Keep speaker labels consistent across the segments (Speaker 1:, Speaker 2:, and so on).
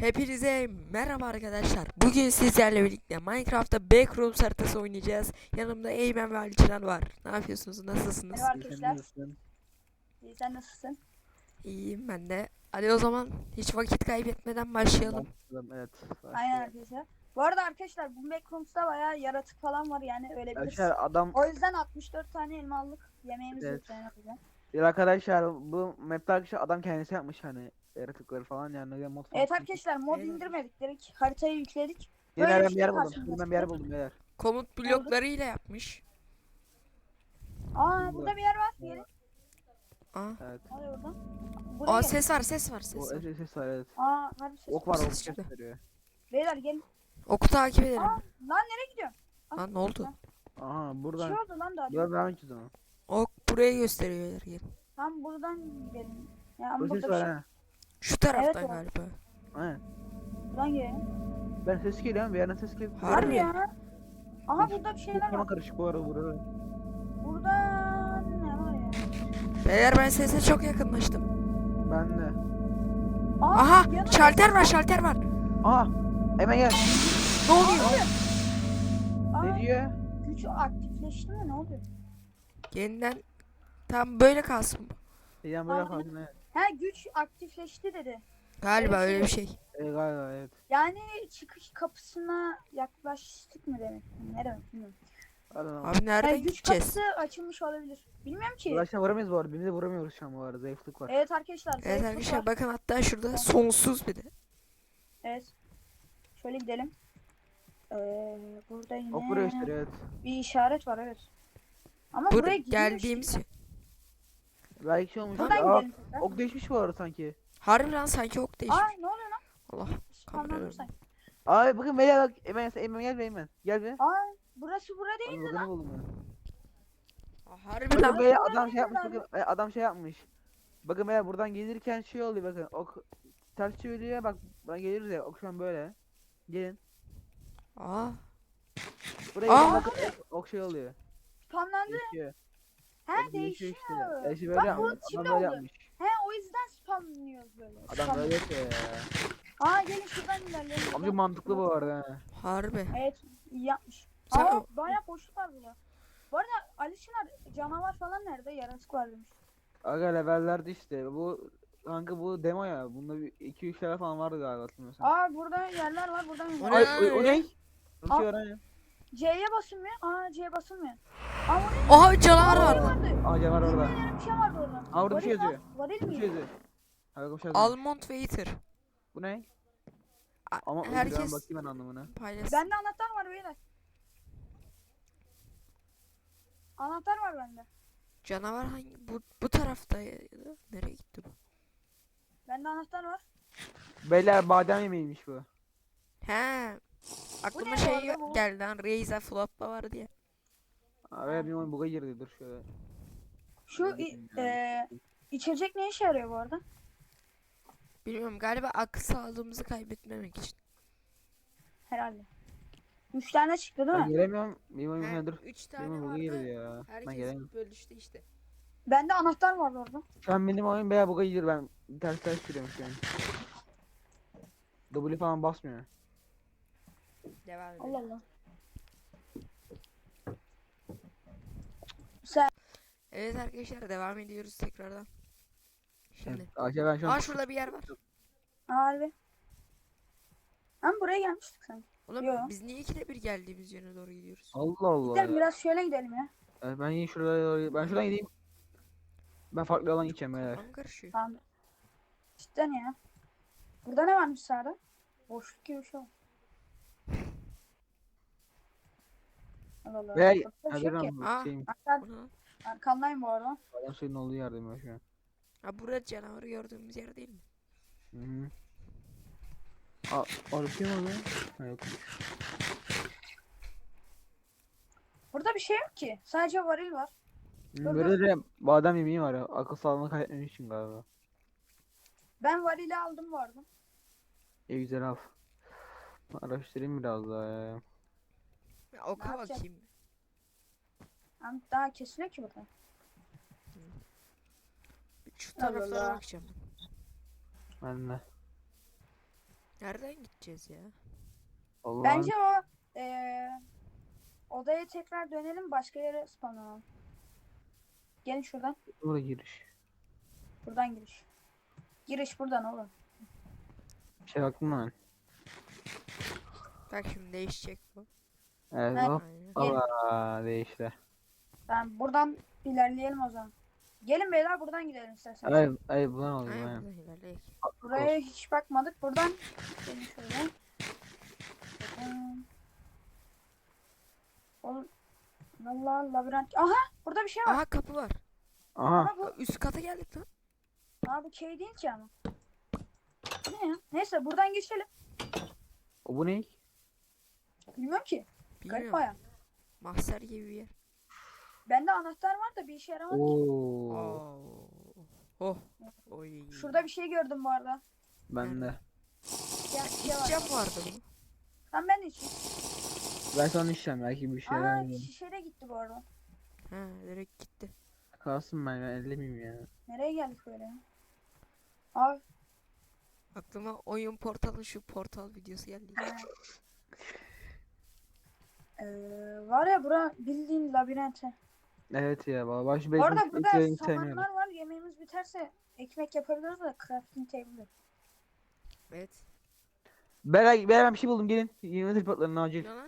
Speaker 1: Hepinize merhaba arkadaşlar. Bugün sizlerle birlikte Minecraft'ta Backrooms haritası oynayacağız. Yanımda Eymen ve Ali Çınar var. Ne yapıyorsunuz? Nasılsınız?
Speaker 2: Merhaba
Speaker 3: İyi, sen
Speaker 2: arkadaşlar.
Speaker 3: nasılsın?
Speaker 2: İyi, sen nasılsın?
Speaker 1: İyiyim ben de. Hadi o zaman hiç vakit kaybetmeden başlayalım.
Speaker 3: Başladım, evet.
Speaker 2: Aynen
Speaker 3: Başlayalım.
Speaker 2: arkadaşlar. Bu arada arkadaşlar bu Backrooms'ta bayağı yaratık falan var yani ölebiliriz.
Speaker 3: Arkadaşlar adam
Speaker 2: O yüzden 64 tane elma aldık. Yemeğimiz
Speaker 3: Evet.
Speaker 2: yok yani o yüzden.
Speaker 3: bir arkadaşlar bu map'te arkadaşlar adam kendisi yapmış hani yaratıkları falan yani öyle mod falan.
Speaker 2: Evet arkadaşlar mod
Speaker 1: Evet.
Speaker 2: indirmedik direkt haritayı yükledik.
Speaker 3: Yine
Speaker 2: Böyle
Speaker 3: ben
Speaker 2: bir
Speaker 3: bir
Speaker 2: şey
Speaker 3: yer buldum.
Speaker 2: karşımıza
Speaker 3: Ben bir yer
Speaker 2: çıktı.
Speaker 3: buldum beyler.
Speaker 1: Komut bloklarıyla yapmış.
Speaker 2: Aa burada bir yer var. Gelin.
Speaker 1: Aa,
Speaker 3: Evet.
Speaker 2: Hadi oradan. Buraya
Speaker 1: Aa
Speaker 2: gelin.
Speaker 1: ses var, ses var,
Speaker 3: Bu
Speaker 1: ses var.
Speaker 3: ses var, evet.
Speaker 2: Aa harbi ses.
Speaker 3: Ok var, ok
Speaker 1: Ses çıktı.
Speaker 3: gösteriyor.
Speaker 2: Beyler gelin.
Speaker 1: Oku takip edelim.
Speaker 2: Aa lan nereye gidiyorsun?
Speaker 1: Aa, ne oldu?
Speaker 3: Aha
Speaker 2: Bir şey
Speaker 3: buradan.
Speaker 2: oldu lan daha.
Speaker 3: Buradan devam edeceğiz ama.
Speaker 1: Ok buraya gösteriyor. Gel.
Speaker 2: Tam buradan gidelim. Ya ama
Speaker 3: Bu
Speaker 2: burada
Speaker 3: ses
Speaker 2: bir
Speaker 3: var
Speaker 2: şey.
Speaker 3: ha.
Speaker 1: Şu taraftan
Speaker 2: Evet, o.
Speaker 1: galiba.
Speaker 3: Aynen.
Speaker 2: Buradan gidelim.
Speaker 3: Ben ses geliyor ama bir yerden ses geliyor.
Speaker 1: Harbi.
Speaker 2: Harbi ya. Aha burada bir şeyler
Speaker 3: Karma
Speaker 2: var.
Speaker 3: karışık bu arada burada.
Speaker 2: Burada ne var ya?
Speaker 1: Beyler ben sese çok yakınlaştım.
Speaker 3: Ben de.
Speaker 2: Aa,
Speaker 1: Aha,
Speaker 2: yanımda
Speaker 1: şalter
Speaker 2: ses
Speaker 1: var, şalter var.
Speaker 3: Aha! Hemen gel.
Speaker 1: Ne oluyor?
Speaker 2: Aa,
Speaker 3: Ne diyor?
Speaker 2: güç aktifleşti mi? Ne oluyor?
Speaker 1: Yeniden tam böyle kalsın.
Speaker 3: Yani böyle
Speaker 2: Aa,
Speaker 3: kalsın, evet.
Speaker 2: He güç aktifleşti dedi.
Speaker 1: Galiba
Speaker 2: Öyle bir
Speaker 1: öyle bir
Speaker 2: şey.
Speaker 1: şey.
Speaker 3: Galiba evet.
Speaker 2: Yani çıkış kapısına yaklaştık mı demek? Ne demek bilmiyorum.
Speaker 3: Pardon.
Speaker 1: Abi nereden
Speaker 2: Yani güç
Speaker 1: gideceğiz?
Speaker 2: kapısı açılmış olabilir. Bilmiyorum ki.
Speaker 3: Arkadaşlar vuramayız bu arada. Birbirimize vuramıyoruz şu an bu arada. Zayıflık var.
Speaker 2: Evet arkadaşlar.
Speaker 1: Evet
Speaker 2: zayıflık
Speaker 1: arkadaşlar
Speaker 2: var.
Speaker 1: bakın hatta şurada sonsuz bir de.
Speaker 2: Evet. Şöyle gidelim. Burada yine
Speaker 3: Ok buraya gösteriyor, evet.
Speaker 2: bir işaret var evet. Ama
Speaker 1: Burada
Speaker 2: buraya gidiyormuş
Speaker 1: geldiğimiz
Speaker 2: gibi.
Speaker 3: Belki şey olmuş.
Speaker 2: Buradan
Speaker 3: Aa,
Speaker 2: gidelim tekrar.
Speaker 3: ok değişmiş bu arada sanki.
Speaker 1: harbi lan sanki ok değişmiş.
Speaker 2: Aa ne oluyor lan?
Speaker 1: Allah
Speaker 2: Spamlandım
Speaker 1: kameraya
Speaker 2: sanki.
Speaker 3: Ay bakın beyler bak. Eymen gel be Eymen. Gel be.
Speaker 2: Aa burası bura
Speaker 3: Abi
Speaker 2: değil mi
Speaker 3: bakın
Speaker 2: lan?
Speaker 3: ne buldum ben.
Speaker 1: Harbi
Speaker 3: Bakın
Speaker 1: lan.
Speaker 3: beyler
Speaker 2: buradan
Speaker 3: adam şey
Speaker 2: geliyor
Speaker 3: yapmış.
Speaker 2: abi.
Speaker 3: Bakın adam şey yapmış. Bakın beyler buradan gelirken şey oluyor bakın. Ok ters çeviriyor bak. Buradan geliriz ya. Ok şu an böyle. Gelin.
Speaker 1: Aa,
Speaker 3: Buraya
Speaker 1: Aa!
Speaker 3: gelin bakın. Ok şey oluyor.
Speaker 2: Spamlandı.
Speaker 3: Değişiyor.
Speaker 2: He
Speaker 3: Ok
Speaker 2: değişiyor.
Speaker 3: işte. Ya işte
Speaker 2: Bak,
Speaker 3: böyle
Speaker 2: bu
Speaker 3: yapmış.
Speaker 2: şimdi
Speaker 3: Adam böyle
Speaker 2: oldu.
Speaker 3: yapmış.
Speaker 2: He o yüzden spamlıyoruz böyle.
Speaker 3: Adam böyle yapıyor ya.
Speaker 2: Aa gelin şuradan ilerleyelim.
Speaker 3: Amca mantıklı bu arada ha.
Speaker 1: harbi.
Speaker 2: Evet iyi yapmış.
Speaker 1: Sen
Speaker 2: Aa
Speaker 1: o-
Speaker 2: bayağı boşluk var burada. Bu arada Ali Çınar canavar falan nerede? Yaratık var demiş.
Speaker 3: Aga levellerde işte. Bu kanka bu demo ya. Bunda bir 2-3 level falan vardı galiba hatırlamıyorsam.
Speaker 2: Aa burada yerler var buradan
Speaker 1: O
Speaker 2: ilerleyelim.
Speaker 1: ne
Speaker 3: Ay
Speaker 1: lan
Speaker 3: o
Speaker 1: öyle?
Speaker 3: ne? Bir şey var ha.
Speaker 2: C'ye basılmıyor. Aa C'ye basılmıyor. Aa o ne?
Speaker 1: Oha canavar
Speaker 2: Aa,
Speaker 1: vardı.
Speaker 2: vardı.
Speaker 3: Aa canavar orada.
Speaker 2: Bilmediğim bir şey vardı orada.
Speaker 3: Aa orada bir şey
Speaker 2: Varil lan.
Speaker 3: yazıyor.
Speaker 2: Varil
Speaker 3: Bir
Speaker 2: miydi?
Speaker 3: şey yazıyor. Hadi bir şey yazıyor.
Speaker 1: Almond Waiter.
Speaker 3: Bu ne?
Speaker 1: A-
Speaker 3: Ama
Speaker 1: herkes
Speaker 3: ben bakayım ben anlamına.
Speaker 1: paylaşsın.
Speaker 2: Bende anahtar var beyler. Anahtar var bende.
Speaker 1: Canavar hangi? Bu taraftaydı. Nereye gitti bu?
Speaker 2: Bende anahtar var.
Speaker 3: Beyler badem yemeğiymiş bu.
Speaker 1: He. Aklıma
Speaker 2: ne
Speaker 1: şey
Speaker 2: bu arada bu?
Speaker 1: geldi lan. Raiza Flop'la var diye.
Speaker 3: Abi bir oyun buga girdi dur şöyle.
Speaker 2: Şu içecek ne işe yarıyor bu arada?
Speaker 1: Bilmiyorum galiba akıl sağlığımızı kaybetmemek için.
Speaker 2: Herhalde. 3 tane çıktı değil
Speaker 3: Ben
Speaker 2: mi?
Speaker 3: gelemiyorum. Bir oyun
Speaker 1: He,
Speaker 3: dur.
Speaker 1: 3
Speaker 3: Bir
Speaker 1: tane
Speaker 3: oyun buga
Speaker 1: vardı.
Speaker 3: girdi ya. Ben
Speaker 1: Herkes
Speaker 3: gelemiyorum.
Speaker 1: bölüştü işte.
Speaker 2: Bende anahtar vardı orada.
Speaker 3: Şu an benim oyun bayağı buga girdi ben ters giriyorum şu an. W falan basmıyor.
Speaker 1: Devam edelim.
Speaker 2: Allah Allah. Sen
Speaker 1: Evet arkadaşlar devam ediyoruz tekrardan. Şimdi.
Speaker 3: Ayşe ben şu an
Speaker 1: Aa şurada bir yer var.
Speaker 2: harbi. Ama buraya gelmiştik sen.
Speaker 1: Oğlum
Speaker 2: Yo.
Speaker 1: biz niye ikide bir geldiğimiz yöne doğru gidiyoruz?
Speaker 3: Allah Allah
Speaker 2: Gidelim
Speaker 3: ya.
Speaker 2: biraz şöyle gidelim ya.
Speaker 3: Ben yine şuraya doğru ben şuradan gideyim. Ben farklı yoldan gideceğim beyler.
Speaker 1: Kafam karışıyor.
Speaker 2: Tamam. Cidden ya. Burada ne varmış sağda? Boşluk gibi bir şey var. Allah Allah.
Speaker 3: Ve
Speaker 2: Burada bir şey yok ki.
Speaker 1: Aa.
Speaker 3: şeyim.
Speaker 2: Arkan-
Speaker 1: Bu ne lan?
Speaker 2: Arkandayım bu arada.
Speaker 3: Adam suyun olduğu yerdeyim ben şu an.
Speaker 1: Ha burada canavarı gördüğümüz yer değil mi?
Speaker 3: Hı hı. Orada şey mi oluyor? Ha, yok.
Speaker 2: Burada bir şey yok ki. Sadece varil var.
Speaker 3: Böyle de badem yemeği var ya. Akıl sağlığını kaybetmemek için galiba.
Speaker 2: Ben varili aldım bu arada.
Speaker 3: İyi güzel al. Araştırayım biraz daha ya.
Speaker 1: Ya, oka
Speaker 2: Ne yapacağız?
Speaker 1: bakayım.
Speaker 2: Ama daha kesiliyor ki burada.
Speaker 1: Şu
Speaker 2: Allah
Speaker 1: taraflara
Speaker 2: Allah.
Speaker 1: bakacağım.
Speaker 3: Ben de.
Speaker 1: Nereden gideceğiz ya?
Speaker 3: Allah'ım.
Speaker 2: Bence o odaya tekrar dönelim, başka yere spawnlanalım. Gelin şuradan.
Speaker 3: Buraya giriş.
Speaker 2: Buradan giriş. Giriş buradan oğlum.
Speaker 3: Bir şey baktım lan.
Speaker 1: Bak şimdi değişecek bu.
Speaker 3: Evet
Speaker 2: Ha.
Speaker 3: hop.
Speaker 1: Aynen.
Speaker 3: Allah değişti.
Speaker 2: Ben buradan ilerleyelim o zaman. Gelin beyler, buradan gidelim isterseniz.
Speaker 3: Ay bulan oldu
Speaker 1: Aynen
Speaker 3: aynen.
Speaker 1: buradan ilerleyek.
Speaker 2: Buraya hiç bakmadık. Buradan gelin şöyle. Oğlum, vallahi labirent. Aha, burada bir şey var.
Speaker 1: Aha kapı var.
Speaker 3: Aha.
Speaker 2: Ama bu,
Speaker 1: Üst kata geldik lan.
Speaker 2: bu şey değil ki ama. Bu ne ya? Neyse buradan geçelim.
Speaker 3: O bu ne?
Speaker 2: Bilmiyorum ki. Garip
Speaker 1: Bilmiyorum.
Speaker 2: baya.
Speaker 1: Mahzer gibi bir yer.
Speaker 2: Bende anahtar var da bir işe yaramadı ki.
Speaker 3: Oo.
Speaker 1: Oo. Oh. Oy.
Speaker 2: Şurada bir şey gördüm bu arada.
Speaker 3: Ben de.
Speaker 2: Ya, bir şey var.
Speaker 1: İçeceğim vardı bu.
Speaker 2: Lan ben de içeyim.
Speaker 3: Ben sana işlem belki bir şey
Speaker 2: Aa, şişe de gitti bu arada.
Speaker 1: Ha direkt gitti.
Speaker 3: kalsın ben ellemeyeyim ya.
Speaker 2: Nereye geldik böyle ya? Abi.
Speaker 1: Aklıma oyun portalı şu portal videosu geldi.
Speaker 2: Ha. Var ya, bura bildiğin labirente.
Speaker 3: Evet ya baba baş
Speaker 2: Bu arada
Speaker 3: bezmiş
Speaker 2: burada
Speaker 3: ilk yayını sevmiyorum.
Speaker 2: samanlar var. Yemeğimiz biterse ekmek yapabiliriz da crafting table.
Speaker 1: Evet.
Speaker 3: Ben bir şey buldum gelin. Yeni tripodların acil.
Speaker 1: Ne lan?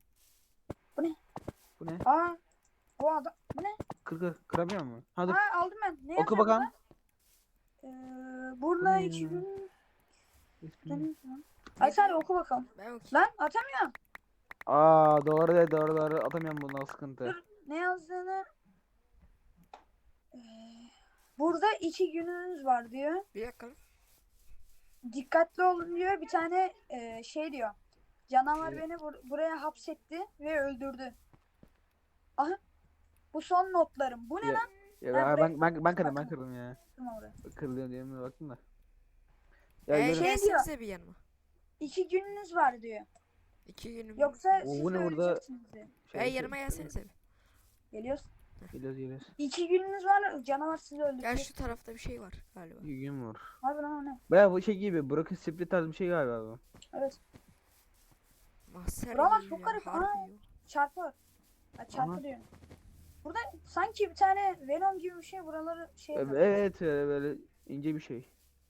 Speaker 3: Bu ne?
Speaker 2: Aa, o adam. Bu ne?
Speaker 3: Kıramıyor mu? Ha dur.
Speaker 2: Aa, aldım ben. Ne
Speaker 3: Oku
Speaker 2: yazıyor
Speaker 3: bakalım.
Speaker 2: burada? Burada
Speaker 3: ne
Speaker 2: 2
Speaker 3: ya?
Speaker 2: gün. Ay sen oku bakalım.
Speaker 1: Ben okuyayım.
Speaker 2: Lan atamıyorum.
Speaker 3: Aa doğru atamıyorum bundan sıkıntı.
Speaker 2: Dur, ne yazdığını. Ee, burada 2 gününüz var diyor.
Speaker 1: Bir dakika. lan.
Speaker 2: Dikkatli olun diyor. Bir tane şey diyor. Canavar
Speaker 3: Evet.
Speaker 2: beni buraya hapsetti ve öldürdü. Aha. Bu son notlarım. Bu ne
Speaker 3: Ya,
Speaker 2: lan?
Speaker 3: ya
Speaker 2: Ben
Speaker 3: ben
Speaker 2: buraya-
Speaker 3: kırdım ya.
Speaker 2: Bakma oraya.
Speaker 3: Kırılıyor diye mi baktım da. Ya
Speaker 1: Ee,
Speaker 3: yürü.
Speaker 2: şey
Speaker 1: gelsenize bir yanıma.
Speaker 2: 2 gününüz var diyor.
Speaker 1: 2 günüm.
Speaker 2: Yoksa
Speaker 3: O,
Speaker 2: siz
Speaker 3: bu
Speaker 2: de
Speaker 3: ne burada?
Speaker 2: öleceksiniz diyor.
Speaker 1: Yanıma gelsenize bir.
Speaker 2: Geliyoruz.
Speaker 3: Geliyoruz.
Speaker 2: 2 gününüz var. Canavar sizi
Speaker 1: Gel
Speaker 2: öldürecek.
Speaker 1: şu tarafta bir şey var galiba.
Speaker 3: Gün var.
Speaker 2: Abi lan o ne?
Speaker 3: Baya bu şey gibi Broken Split tarzı bir şey galiba bu.
Speaker 2: Evet.
Speaker 1: Mahzer
Speaker 2: Buralar
Speaker 1: gibi
Speaker 2: çok
Speaker 1: ya,
Speaker 2: garip,
Speaker 1: harbi
Speaker 2: ha.
Speaker 1: ya.
Speaker 2: Çarpı. Ha, çarpı
Speaker 3: Aha.
Speaker 2: diyorum. Burada sanki bir tane Venom gibi bir şey buraları şey yapıyor.
Speaker 3: Evet böyle ince bir şey.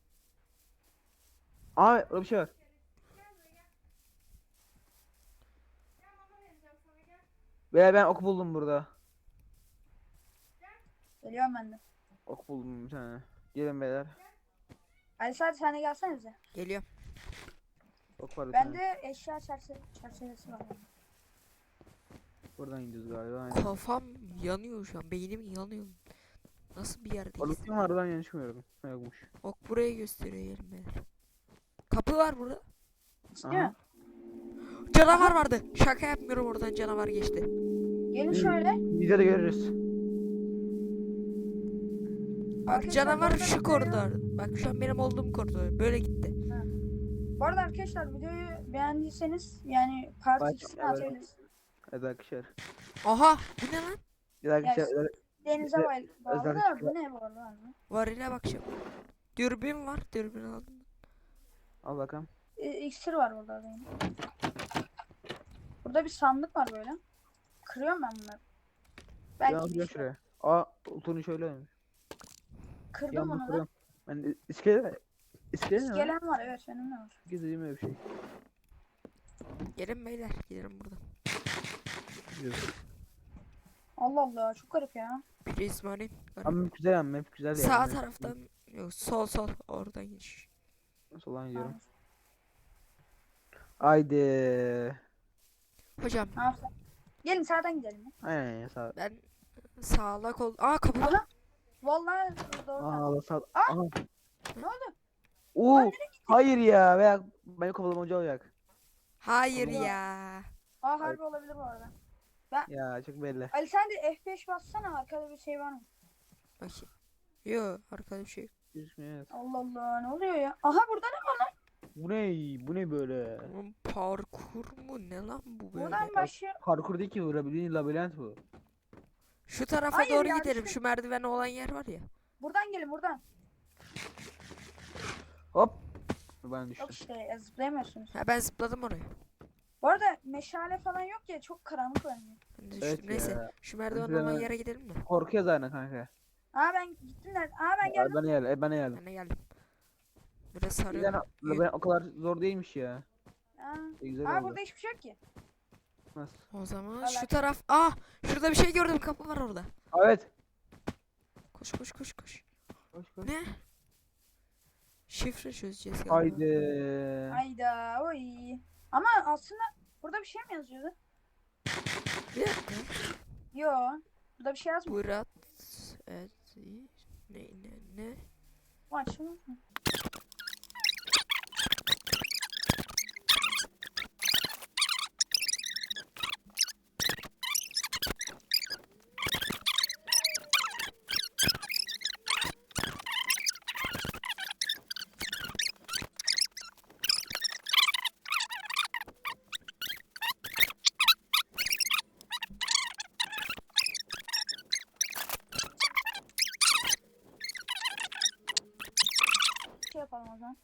Speaker 3: Aa orada bir şey var. Veya ben ok buldum burada.
Speaker 2: Geliyorum ben de.
Speaker 3: Ok buldum bir tane. Gelin beyler.
Speaker 2: Ali sadece sen de gelsene bize.
Speaker 1: Geliyorum.
Speaker 3: Ok var bir tane.
Speaker 2: Bende eşya çerçevesi var.
Speaker 3: Buradan gidiyoruz galiba. Aynen.
Speaker 1: Kafam yanıyor şu an. Beynim yanıyor. Nasıl bir yerdeyiz?
Speaker 3: Orada kim var ben yanlış mı gördüm? Ha, yokmuş.
Speaker 1: Ok buraya gösteriyor gelin beyler. Kapı var burada.
Speaker 2: İstiyor
Speaker 3: Aha.
Speaker 2: musun?
Speaker 1: Canavar vardı. Şaka yapmıyorum, oradan canavar geçti.
Speaker 2: Gelin şöyle.
Speaker 3: Biz de görürüz.
Speaker 1: Bak
Speaker 2: Arkadaşlar,
Speaker 1: canavar
Speaker 2: burada
Speaker 1: şu
Speaker 2: bir
Speaker 1: koridor. Bak şu an benim olduğum koridor. Böyle gitti.
Speaker 2: Bu arada arkadaşlar, videoyu beğendiyseniz yani part
Speaker 3: Bak,
Speaker 2: 2'sini
Speaker 3: evet.
Speaker 2: atabiliriz.
Speaker 3: Evet arkadaşlar.
Speaker 1: Aha bu ne lan?
Speaker 3: Bir arkadaşlar.
Speaker 2: Denize
Speaker 3: Özel-
Speaker 2: bağlı
Speaker 3: özel
Speaker 2: da
Speaker 3: çıkma-
Speaker 2: bu ne bu arada?
Speaker 1: Varile bakacağım. Dürbün var. Dürbün aldım.
Speaker 3: Al bakalım.
Speaker 2: İksir var burada benim. Burada bir sandık var böyle. Kırıyorum ben bunları.
Speaker 3: Ben
Speaker 2: Belki
Speaker 3: alacağım
Speaker 2: bir şey.
Speaker 3: şuraya. Aa utunu şöyle.
Speaker 2: Kırdım
Speaker 3: Yandım
Speaker 2: onu da.
Speaker 3: kırıyorum. Ben iskele. İskele mi?
Speaker 2: İskelen var, evet benim de var.
Speaker 3: Gizlediğim öyle bir şey.
Speaker 1: Gelin beyler. Gidelim buradan.
Speaker 3: Gidiyoruz.
Speaker 2: Allah Allah, çok garip ya.
Speaker 1: Prizmanin.
Speaker 3: Ama hep güzel ama hep güzel
Speaker 1: Sağ
Speaker 3: yani.
Speaker 1: taraftan. Yok sol. Oradan gidiş.
Speaker 3: Soldan gidiyorum.
Speaker 2: Tamam.
Speaker 3: Haydi.
Speaker 1: Hocam
Speaker 2: Ne yapsak? Gelin sağdan gidelim ya.
Speaker 3: Aynen ya sağ.
Speaker 1: ben sağlak ol. Aa kapı var.
Speaker 2: Aha. Vallahi doğru.
Speaker 3: Aa Allah sağ.
Speaker 2: Aa!
Speaker 3: Aha.
Speaker 2: Ne oldu?
Speaker 3: Oo. Hayır ya. Veya benim kafalım hoca olacak.
Speaker 1: Hayır
Speaker 3: Allah.
Speaker 1: ya.
Speaker 2: Aa, harbi olabilir bu arada.
Speaker 3: Ya çok belli.
Speaker 2: Ali sen de F5 bassana, arkada bir şey var mı?
Speaker 1: Bakayım. Yo arkada bir şey yok.
Speaker 3: Gözükmüyor, evet.
Speaker 2: Allah Allah, ne oluyor ya? Aha, burada ne var lan?
Speaker 3: Bu ne? Bu ne böyle?
Speaker 1: Oğlum parkur mu ne lan bu böyle?
Speaker 2: Buradan başlıyor.
Speaker 3: Parkur değil ki bu. Bildiğin labirent bu.
Speaker 1: Şu tarafa
Speaker 2: Hayır
Speaker 1: doğru
Speaker 2: ya,
Speaker 1: gidelim.
Speaker 2: düştüm.
Speaker 1: Şu merdiven olan yer var ya.
Speaker 2: Buradan gelin buradan.
Speaker 3: Hop. Ben düştüm.
Speaker 2: Yok işte zıplayamıyorsunuz.
Speaker 1: Ha ben zıpladım oraya.
Speaker 2: Bu arada meşale falan yok ya çok karanlık oynuyor.
Speaker 1: Ben de düştüm.
Speaker 3: Evet
Speaker 1: Neyse
Speaker 3: ya.
Speaker 1: şu merdiven
Speaker 3: Mesela
Speaker 1: olan
Speaker 3: ben-
Speaker 1: yere gidelim mi?
Speaker 3: Korkuyor zaten kanka.
Speaker 2: Aa ben gittim nerede? Aa ben geldim.
Speaker 3: Ben geldim. Ben geldim.
Speaker 1: Ben de geldim. Biraz
Speaker 3: Yani,
Speaker 1: sarıyor.
Speaker 3: ben o kadar zor değilmiş ya.
Speaker 2: Aa,
Speaker 3: Güzel
Speaker 2: aa
Speaker 3: oldu.
Speaker 2: burada hiçbir şey yok ki.
Speaker 3: Nasıl?
Speaker 1: O zaman
Speaker 2: Alak.
Speaker 1: şu taraf. Ah şurada bir şey gördüm. Kapı var orada.
Speaker 3: Evet.
Speaker 1: Koş koş koş koş.
Speaker 3: Koş koş.
Speaker 1: Ne? Şifre çözeceğiz galiba.
Speaker 3: Haydi.
Speaker 2: Hayda oy. Ama aslında burada bir şey mi yazıyordu?
Speaker 1: Bir dakika.
Speaker 2: Yo. Burada bir şey yazmıyor.
Speaker 1: Murat. Evet. Ne?
Speaker 2: Bu açılmıyor mu? Şey yapalım o zaman.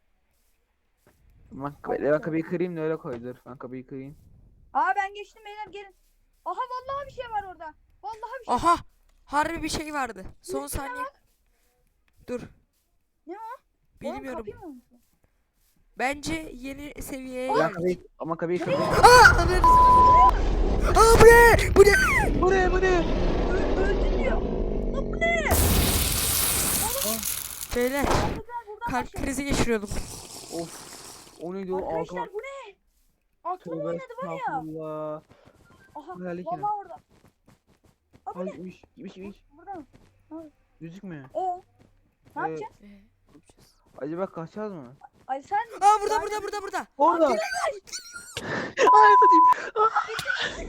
Speaker 3: Ben kapıyı kırayım da öyle koydur. Ben kapıyı kırayım.
Speaker 2: Aa ben geçtim beyler gelin. Aha vallahi bir şey var orada. Vallahi bir şey.
Speaker 1: Aha. Harbi bir şey vardı. Son
Speaker 2: Üstüne
Speaker 1: saniye. Dur.
Speaker 2: Ne o?
Speaker 1: Bilmiyorum.
Speaker 2: Oğlum, kapıyı mı unuttun?
Speaker 1: Bence yeni seviyeye
Speaker 3: Ben
Speaker 1: geldik.
Speaker 3: kapıyı, ama kapıyı kırayım.
Speaker 1: Aa! Aa bu ne? Bu ne?
Speaker 3: Bu ne? Bu ne?
Speaker 2: Öldün diyor. Lan bu ne?
Speaker 1: Beyler
Speaker 2: Arkadaşlar buradan
Speaker 1: kalp
Speaker 2: başlayalım.
Speaker 1: krizi geçiriyordum.
Speaker 3: Of. O neydi o?
Speaker 2: Arkadaşlar
Speaker 3: Altıma.
Speaker 2: bu ne? Aklım
Speaker 3: Tövbe
Speaker 2: oynadı var ya.
Speaker 3: estağfurullah.
Speaker 2: Aha
Speaker 3: Hayal
Speaker 2: vallahi
Speaker 3: hikaye.
Speaker 2: orada. Aa bu
Speaker 3: Ay
Speaker 2: ne?
Speaker 3: gitmiş.
Speaker 2: Burada mı?
Speaker 3: Gözükmüyor.
Speaker 2: Ne yapacağız?
Speaker 3: Acaba kaçacağız mı?
Speaker 2: Ay sen
Speaker 1: Aa burada.
Speaker 3: Orada. Ay satayım.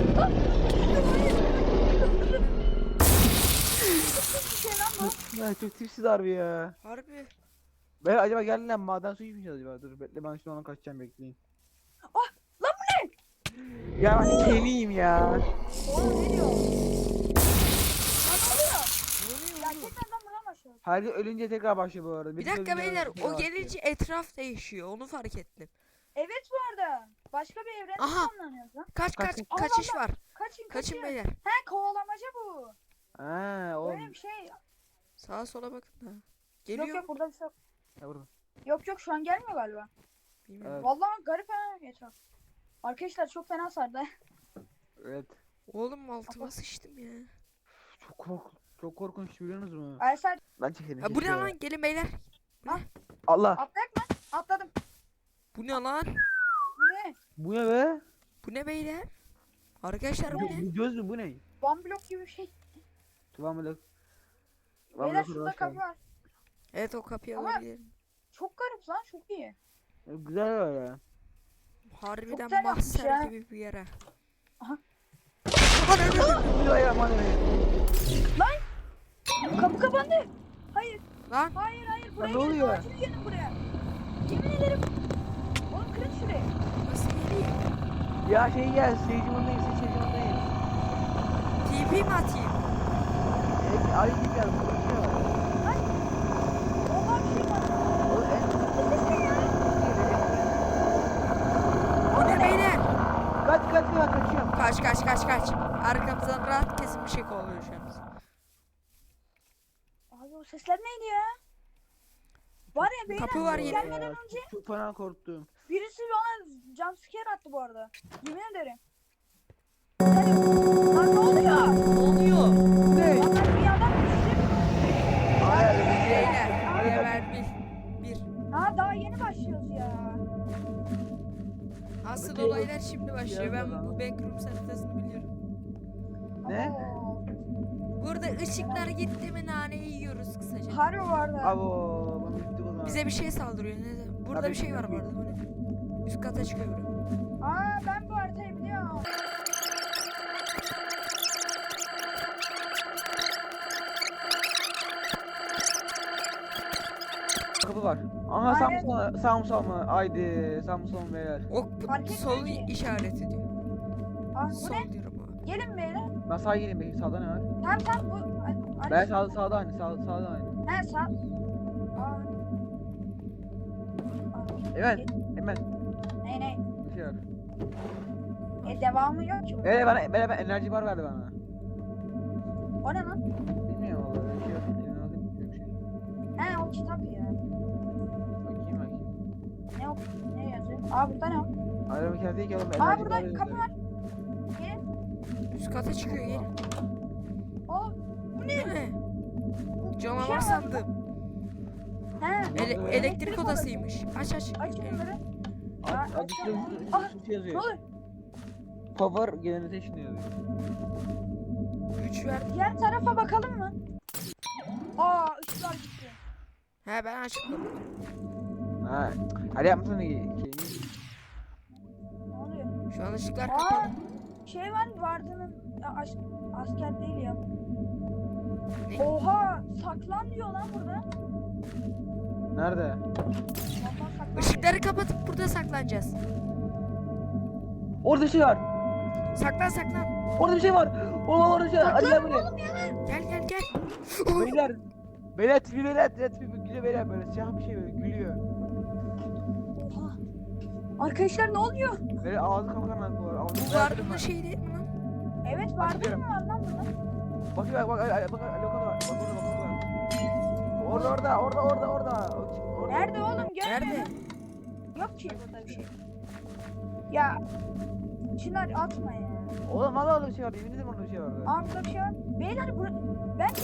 Speaker 2: bir şey lan bu.
Speaker 3: Ya çok tipsiz harbi ya.
Speaker 1: Harbi.
Speaker 3: Ben acaba geldi lan maden suyu içmeyeceğiz acaba? Dur bekle ben şimdi ona kaçacağım bekleyin.
Speaker 2: Ah lan bu ne?
Speaker 3: Ya ben keliyim ya.
Speaker 2: Oğlum ne diyor? Lan ne oluyor? Ya tekrardan buradan başlıyoruz.
Speaker 3: Her gün ölünce tekrar başlıyor bu arada.
Speaker 1: Bir
Speaker 3: Birisi
Speaker 1: dakika
Speaker 3: ölünce
Speaker 1: beyler
Speaker 3: tekrar
Speaker 1: o
Speaker 3: başlıyor.
Speaker 1: gelince etraf değişiyor. Onu fark ettim.
Speaker 2: Evet bu arada. Başka bir evrende
Speaker 1: Aha.
Speaker 2: sonlanıyoruz lan.
Speaker 1: Kaç
Speaker 3: Kaç-
Speaker 1: kaçış var.
Speaker 2: Kaçın
Speaker 1: Kaçın beyler.
Speaker 2: He kovalamaca bu.
Speaker 3: Ha
Speaker 2: Böyle
Speaker 3: oğlum.
Speaker 2: bir şey.
Speaker 1: Sağa sola bakın da.
Speaker 2: Yok
Speaker 1: Geliyor
Speaker 2: yok
Speaker 1: mu?
Speaker 2: burada bir şey yok.
Speaker 3: Ya burada.
Speaker 2: Yok şu an gelmiyor galiba.
Speaker 1: Bilmiyorum.
Speaker 3: Evet.
Speaker 2: Vallahi garip ha etraf. Arkadaşlar çok fena sardı.
Speaker 3: Evet.
Speaker 1: Oğlum altıma sıçtım ya.
Speaker 3: Çok korkunç biliyorsunuz mu?
Speaker 2: Aysel
Speaker 3: Ben çekelim.
Speaker 1: Ha, bu ne
Speaker 3: keşke.
Speaker 1: lan? Gelin beyler.
Speaker 3: Allah.
Speaker 2: atlayak mı? Atladım.
Speaker 1: Bu ne lan?
Speaker 2: Bu ne?
Speaker 3: Bu ne be?
Speaker 1: Bu ne beyler? Arkadaşlar bu ne?
Speaker 3: Bu göz mü bu ne?
Speaker 2: One block gibi bir şey.
Speaker 3: Tuvan Melek.
Speaker 2: Beyler şurada kapı var.
Speaker 1: Evet o kapıyı
Speaker 2: Ama-
Speaker 1: alabilirim.
Speaker 2: Çok garip lan çok iyi.
Speaker 3: Güzel öyle.
Speaker 1: Harbiden
Speaker 2: güzel yapmış
Speaker 1: mahzer
Speaker 2: ya.
Speaker 1: gibi bir yere.
Speaker 2: Aha.
Speaker 3: Bismillahirrahmanirrahim.
Speaker 2: Kapı kapandı. Hayır
Speaker 1: Lan
Speaker 2: hayır buraya
Speaker 3: ne
Speaker 2: gelin.
Speaker 3: oluyor?
Speaker 2: Acil gelin buraya. Yemin ederim. Oğlum kırın şurayı.
Speaker 1: nasıl geliyor?
Speaker 3: Ya şey gel. Seyircimondayız. Seyircimondayız.
Speaker 1: TP mi atayım?
Speaker 3: Ay gel. Burada bir şey var.
Speaker 2: Oha bir şey var.
Speaker 3: Oğlum
Speaker 1: Bu ne beyler?
Speaker 3: kaç kaçıyorum.
Speaker 1: Kaç. Arkamızdan rahat kesin bir şey kovalıyor şu an.
Speaker 2: Abi o sesler neydi ya? Var ya beyler
Speaker 1: Kapı var
Speaker 2: siz
Speaker 1: yine.
Speaker 2: gelmeden önce
Speaker 3: Çok fena korktum.
Speaker 2: birisi bana jumpscare attı bu arada. Yemin ederim. Lan ne oluyor?
Speaker 1: Ne oluyor?
Speaker 3: Ne?
Speaker 2: Lan ben bir adam düştüm.
Speaker 1: Beyler. Level 1.
Speaker 2: Ha daha yeni başlıyoruz ya.
Speaker 1: Asıl
Speaker 3: Okey.
Speaker 1: olaylar şimdi başlıyor. Ben
Speaker 3: Biraz
Speaker 1: bu backrooms haritasını biliyorum.
Speaker 3: Ne?
Speaker 2: Abo.
Speaker 1: Burada ışıklar gitti mi naneyi yiyoruz kısaca.
Speaker 2: Harbi vardı.
Speaker 3: Abo. Ben bittik o zaman.
Speaker 1: Bize bir şey saldırıyor. Ne? Burada
Speaker 3: Tabii
Speaker 1: bir şey
Speaker 3: ki.
Speaker 1: var bu arada. Bu ne? Üst kata çıkıyor bura.
Speaker 2: Aa ben bu haritayı biliyorum.
Speaker 3: Kapı var. Aha sağ
Speaker 2: Aynen.
Speaker 3: mı sağ mı sağ mı? Haydi sağ mı sol mu beyler?
Speaker 1: Ok
Speaker 2: Fark
Speaker 1: sol
Speaker 2: etmiyor ki.
Speaker 1: işareti diyor.
Speaker 2: Aa bu
Speaker 1: Sol
Speaker 2: ne?
Speaker 1: diyorum abi.
Speaker 2: Gelin beyler.
Speaker 3: Ben sağa geleyim bakayım sağda ne var?
Speaker 2: Tamam bu.
Speaker 3: Ben sağda aynı sağda aynı.
Speaker 2: He sağ. Aa.
Speaker 3: Hemen. Hemen.
Speaker 2: Ne?
Speaker 3: Bir şey var.
Speaker 2: Devamı yok ki.
Speaker 3: Evet bana enerji bar verdi bana.
Speaker 2: O ne lan?
Speaker 3: Bilmiyorum valla öyle bir şey yok. Eline alayım, yok bir şey.
Speaker 2: He o kitap ya.
Speaker 3: Bakayım.
Speaker 2: Ne o? Ne yazıyor? Aa burada ne o?
Speaker 3: Araba kendi değil ki oğlum.
Speaker 2: Aa
Speaker 3: enerji
Speaker 2: burada
Speaker 3: bar
Speaker 2: kapı
Speaker 3: yazıyor.
Speaker 2: var. Gelin.
Speaker 1: Üst kata çıkıyor gelin.
Speaker 2: Aa bu ne?
Speaker 1: Bu ne?
Speaker 2: Bu bir şey
Speaker 1: Canavar
Speaker 2: var.
Speaker 1: sandım.
Speaker 2: He.
Speaker 1: Elektrik odasıymış. Aç.
Speaker 2: Açın bunları.
Speaker 3: Adışta
Speaker 2: Ah,
Speaker 3: bir şey
Speaker 2: Ne
Speaker 3: yazıyor.
Speaker 2: olur?
Speaker 3: Power generation yazıyor.
Speaker 1: Güç verdi.
Speaker 2: Diğer tarafa bakalım mı? Aa ışıklar gitti.
Speaker 1: He ben açıkladım.
Speaker 3: Ha. Hadi yapmasana şeyini.
Speaker 2: Ne oluyor?
Speaker 1: Şu an ışıklar
Speaker 2: Aa
Speaker 1: kapalı.
Speaker 2: şey var Varda'nın asker değil ya.
Speaker 1: Ne?
Speaker 2: Oha saklan diyor lan burada.
Speaker 3: Nerede?
Speaker 2: Vallahi saklan
Speaker 1: Işıkları kapatıp burada saklanacağız.
Speaker 3: Orada bir şey var.
Speaker 1: Saklan.
Speaker 3: Orada bir şey var. Oo orada bir şey var. Hadi gel buraya.
Speaker 1: Gel.
Speaker 3: Beyler. Beyler tipi gülüyor beyler böyle siyah bir şey böyle gülüyor.
Speaker 2: diyor. Oha. Arkadaşlar ne oluyor?
Speaker 3: Böyle ağzı kapakan var. Ağzı
Speaker 1: Bu vardığında şey değil mi lan?
Speaker 2: Evet Varda
Speaker 3: gidiyorum.
Speaker 2: mı var lan burada?
Speaker 3: Bak lokal var. Bak orada var. Orada.
Speaker 2: Nerede oğlum? Görmüyorum.
Speaker 1: Nerede?
Speaker 2: Yok ki burada bir şey. Ya Çınar atma ya.
Speaker 3: Oğlum valla orada bir şey var. Yemin ederim orada bir şey vardı.
Speaker 2: Aa burada bir şey var. Beyler bence.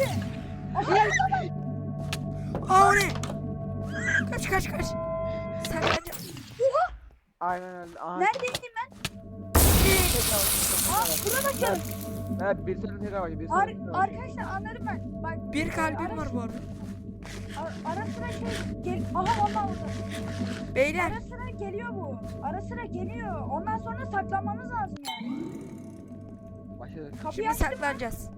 Speaker 1: Aa o ne? Kaç. Saklanacağım.
Speaker 3: Aynen öyle. Aha.
Speaker 2: Neredeydim ben? Aa buna bakın.
Speaker 3: Evet bir sürü tekrar var. Bir sürü
Speaker 2: Arkadaşlar anladım ben. Bak
Speaker 1: Bir kalbim var bu arada.
Speaker 2: ara sıra şey gel. Aha vallahi orada.
Speaker 1: Beyler
Speaker 2: Ara sıra geliyor bu. Ara sıra geliyor. Ondan sonra saklanmamız lazım yani.
Speaker 3: Başladık.
Speaker 2: Kapıyı
Speaker 1: şimdi
Speaker 2: açtım.
Speaker 1: saklanacağız.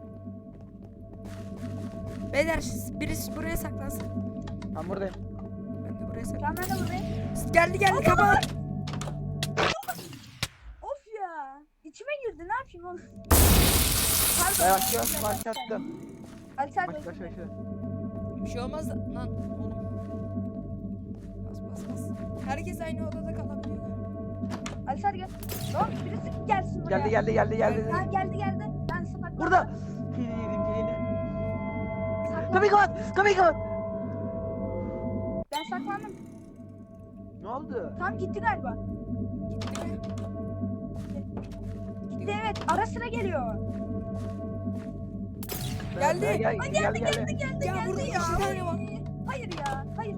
Speaker 1: Beyler birisi buraya saklansın.
Speaker 3: Ben buradayım.
Speaker 1: Ben de buraya
Speaker 2: Tamam ben de buradayım.
Speaker 1: Geldi kapat.
Speaker 2: Of ya. İçime girdi ne yapayım oğlum.
Speaker 3: Başlattım.
Speaker 2: Alter
Speaker 3: Başla.
Speaker 1: Bir şey olmaz da lan oğlum. Bas. Herkes aynı odada kalabiliyor galiba.
Speaker 2: Alter gel. Lan birisi gelsin buraya.
Speaker 3: Geldi.
Speaker 2: Ha geldi. Ben saklandım.
Speaker 3: Burada. Pili yedim pilini.
Speaker 2: Saklandım.
Speaker 3: Kapıyı kapat.
Speaker 2: Ben saklandım.
Speaker 3: Ne oldu?
Speaker 2: Tam gitti galiba.
Speaker 1: Gitti mi?
Speaker 2: Gitti evet. Ara sıra geliyor.
Speaker 1: Geldi.
Speaker 3: Geldi.
Speaker 1: Ya burada iki tane var.
Speaker 2: Hayır ya. Hayır.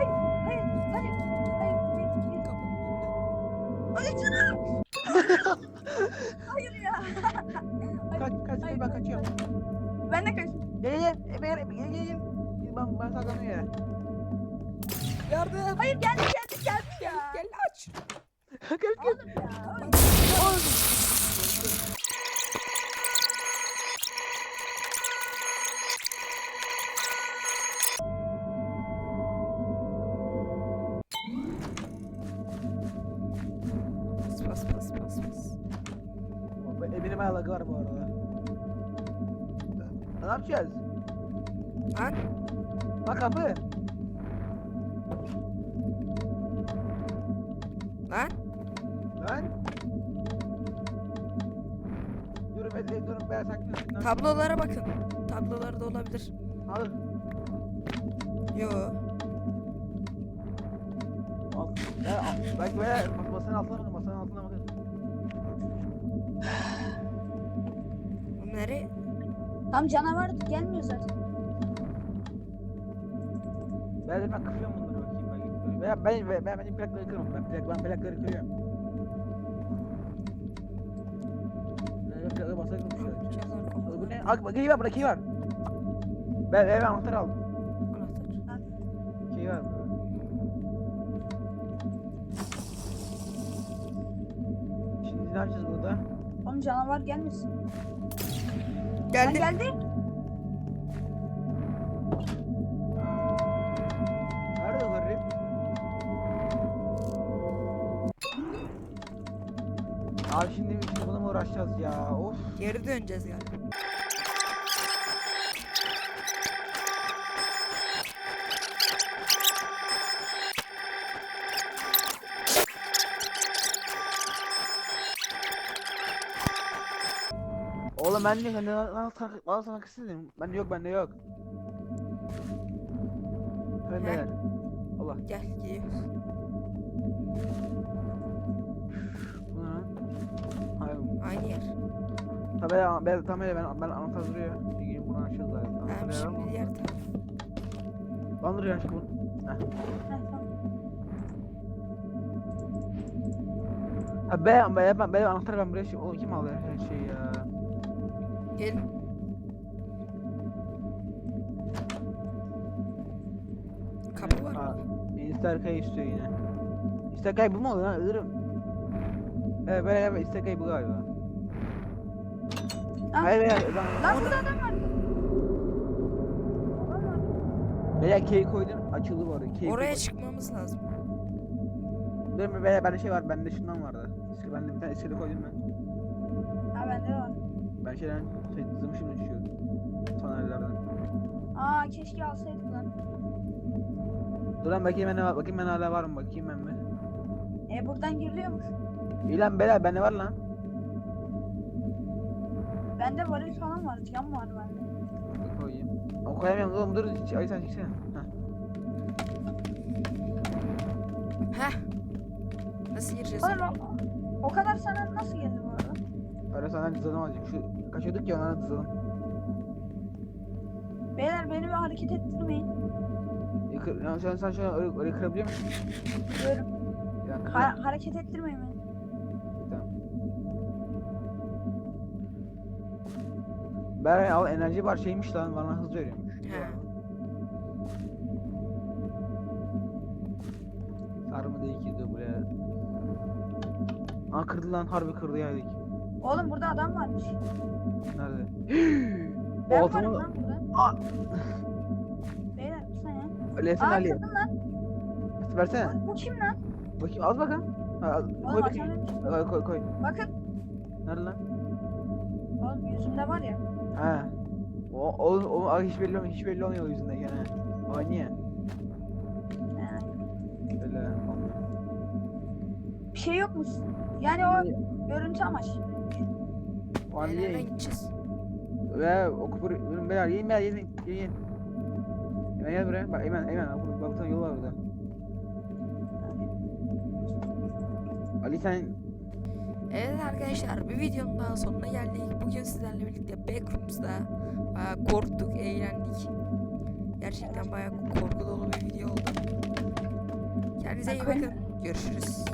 Speaker 2: Hayır ya.
Speaker 3: Kaç ben kaçıyorum.
Speaker 2: Ben de kaçtım.
Speaker 3: Gel. Ben saklanıyorum ya.
Speaker 1: Yardım.
Speaker 2: Hayır geldi ya.
Speaker 1: Gel aç.
Speaker 2: Oğlum ya.
Speaker 1: Bas.
Speaker 3: Eminim ayakları var bu arada. Ne yapacağız?
Speaker 1: Lan
Speaker 3: Bak kapı.
Speaker 1: lan.
Speaker 3: Lan. Durun ben saklıyorum.
Speaker 1: Tablolara bakın. Tablolarda olabilir.
Speaker 3: Al.
Speaker 1: Yo.
Speaker 3: Al. Belki böyle masanın altına bakın.
Speaker 1: Bu nereye?
Speaker 2: Tam canavar gelmiyor zaten.
Speaker 3: Ben kırıyorum bunları bakayım. Ben benim plakları kırıyorum. Ben plakları kırıyorum. Ben plakları masaya kırmışlar. Bu ne? Bak key var. Ben anahtar aldım.
Speaker 1: Anahtar.
Speaker 3: Key var burada. Şimdi ne yapacağız burada?
Speaker 2: Oğlum canavar gelmesin.
Speaker 1: Geldi.
Speaker 2: Geldi.
Speaker 3: Nerede hırrım? Abi şimdi bununla mı uğraşacağız ya? Of.
Speaker 1: Geri döneceğiz galiba.
Speaker 3: Oğlum ben de bana sana kısıtlayayım. Bende yok, bende yok. Hadi
Speaker 1: He.
Speaker 3: beyler. Allah.
Speaker 1: Gel gidiyoruz.
Speaker 3: Bu ne lan? Hayır.
Speaker 1: Aynı yer.
Speaker 3: Tabii ben anahtar duruyor. Gelin buradan açacağız zaten.
Speaker 1: Tamam
Speaker 3: Anahtar yer ama.
Speaker 1: şimdi diğer taraf.
Speaker 3: Lan duruyor aşkım bunu. Heh.
Speaker 2: Heh, tamam.
Speaker 3: Ha ben anahtarı ben buraya şey. Oğlum kim aldı her şeyi ya?
Speaker 1: Gel. Kapı var
Speaker 3: Ha,
Speaker 1: mı?
Speaker 3: İsterkay istiyor yine. İsterkay bu mu oluyor lan? Ilırım. Evet böyle İsterkay bu galiba.
Speaker 2: Ah.
Speaker 3: Hayır
Speaker 2: Lan burada adam var. Adam var.
Speaker 3: Beyler key koydum açıldı bu arada. Key
Speaker 1: Oraya çıkmamız lazım.
Speaker 3: Değil mi? Beyler bende şey var, bende şundan vardı. Bende bir tane iskele koydum ben.
Speaker 2: Ha bende de var.
Speaker 3: Ben zımışım uçuyor. Tonellerden.
Speaker 2: Aa keşke alsaydık lan.
Speaker 3: Dur lan bakayım ben hala var mı bakayım ben mi?
Speaker 2: Buradan giriliyormuş.
Speaker 3: İyi lan beyler bende var lan.
Speaker 2: Bende varil falan var. Cam var bende.
Speaker 3: Dur koyayım. Ama koyamıyorum oğlum dur. Ay sen çeksene. Heh.
Speaker 1: Heh. Nasıl gireceğiz?
Speaker 2: Oğlum o kadar sana nasıl geldi bu arada?
Speaker 3: Öyle senden cızladım azıcık. Kaçıyorduk ya onlara cızladım.
Speaker 2: Beyler beni bir hareket ettirmeyin.
Speaker 3: Ya sen şöyle öyle kırabiliyor musun?
Speaker 2: Diyorum.
Speaker 3: Yani kır.
Speaker 2: Hareket ettirmeyin beni.
Speaker 3: Tamam. Beray al enerji bar şeymiş lan bana hız veriyormuş.
Speaker 1: He.
Speaker 3: Sarı değil ki de buraya. Aa kırdı lan harbi kırdı yani.
Speaker 2: Oğlum burada adam varmış.
Speaker 3: Nerede?
Speaker 2: Ben
Speaker 3: O
Speaker 2: varım
Speaker 3: altıma...
Speaker 2: lan burada.
Speaker 3: Aa!
Speaker 2: Beyler bir saniye.
Speaker 3: Aleyhisselam
Speaker 2: Aa
Speaker 3: Ali.
Speaker 2: kırdın lan.
Speaker 3: Versene.
Speaker 2: Bu kim lan?
Speaker 3: Bakayım az bakın. Ha, koy
Speaker 2: Oğlum
Speaker 3: bakayım.
Speaker 2: açamıyorum.
Speaker 3: Koy.
Speaker 2: Bakın.
Speaker 3: Nerede lan?
Speaker 2: Oğlum yüzümde var ya.
Speaker 3: Ha. O hiç belli olmuyor. Hiç belli olmuyor o yüzünden gene. Aa niye? Öyle olmuyor.
Speaker 2: Bir şey yok mu? Yani o görüntü amaçlı.
Speaker 3: O an
Speaker 1: Nereden
Speaker 3: niye?
Speaker 1: gideceğiz?
Speaker 3: Ve o kupur ürün beyler yiyin. Hemen gel buraya. Bak Eymen bak bir tane yol var burada. Ali sen
Speaker 1: Evet arkadaşlar bir videonun daha sonuna geldik. Bugün sizlerle birlikte Backrooms'da bayağı korktuk, eğlendik. Gerçekten bayağı korku dolu bir video oldu. Kendinize iyi bakın. Görüşürüz.